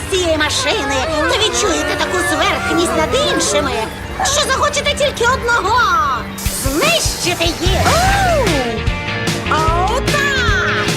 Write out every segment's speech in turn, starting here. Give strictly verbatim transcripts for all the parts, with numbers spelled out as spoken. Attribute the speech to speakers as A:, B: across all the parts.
A: з цієї машини, то відчуєте таку зверхність над іншими, що захочете тільки одного – знищити їх. О, так!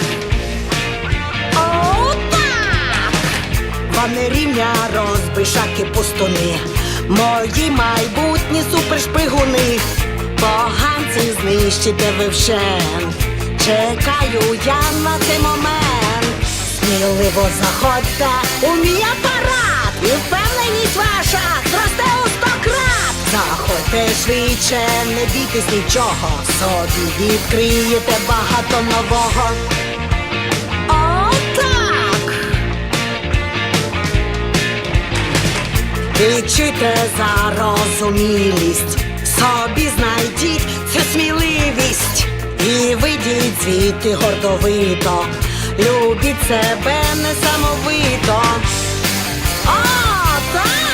A: О, так!
B: Вони рівня розбишаки пустуни, мої майбутні супершпигуни. Поганців знищите ви вщент, чекаю я на цей момент. Сміливо заходьте у мій апарат, і впевненість ваша зросте у сто крат. Заходьте швидше, не бійтесь нічого, собі відкриєте багато нового. О, так! Відчуйте зарозумілість, собі знайдіть цю сміливість і вийдіть звідти гордовито, любіть себе несамовито. О, так!